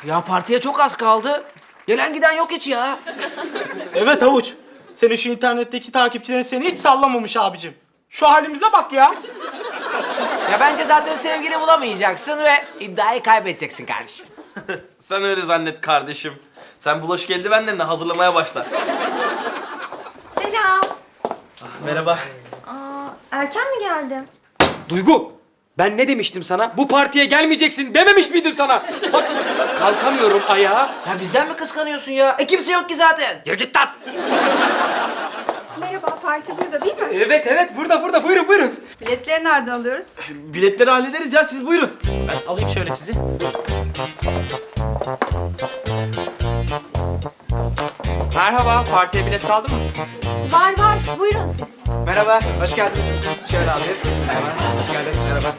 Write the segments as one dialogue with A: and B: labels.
A: Ya partiye çok az kaldı. Gelen giden yok hiç ya.
B: Evet Havuç. Senin şu internetteki takipçilerin seni hiç sallamamış abicim. Şu halimize bak ya.
A: Ya bence zaten sevgili bulamayacaksın ve iddiayı kaybedeceksin kardeşim.
C: Sen öyle zannet kardeşim. Sen bulaşık eldivenlerini hazırlamaya başla.
D: Selam.
C: Merhaba.
D: Erken mi geldim?
E: Duygu, ben ne demiştim sana? Bu partiye gelmeyeceksin dememiş miydim sana? Bak, kalkamıyorum ayağa.
A: Ya bizden mi kıskanıyorsun ya? Kimse yok ki zaten.
E: Ya git lan!
D: Merhaba, parti burada değil mi?
E: Evet, burada. Buyurun.
D: Biletleri nereden alıyoruz?
C: Biletleri hallederiz ya, siz buyurun.
B: Ben alayım şöyle sizi.
A: Merhaba, partiye bilet kaldı mı?
D: Var, buyurun siz.
A: Merhaba, hoş geldiniz. Şöyle alayım. Merhaba, hoş geldin. Merhaba.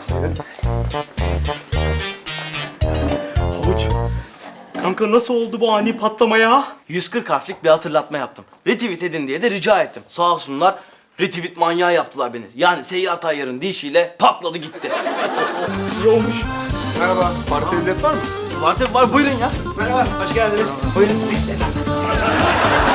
B: Havuç. Kanka nasıl oldu bu ani patlama ya?
C: 140 harflik bir hatırlatma yaptım. Retweet edin diye de rica ettim. Sağ olsunlar, retweet manyağı yaptılar beni. Yani Seyyar Tayyar'ın deyişiyle patladı gitti.
B: İyi olmuş.
F: Merhaba, partiye bilet var mı?
C: Var tabii var, buyurun ya.
A: Merhaba, hoş geldiniz.
C: Buyurun.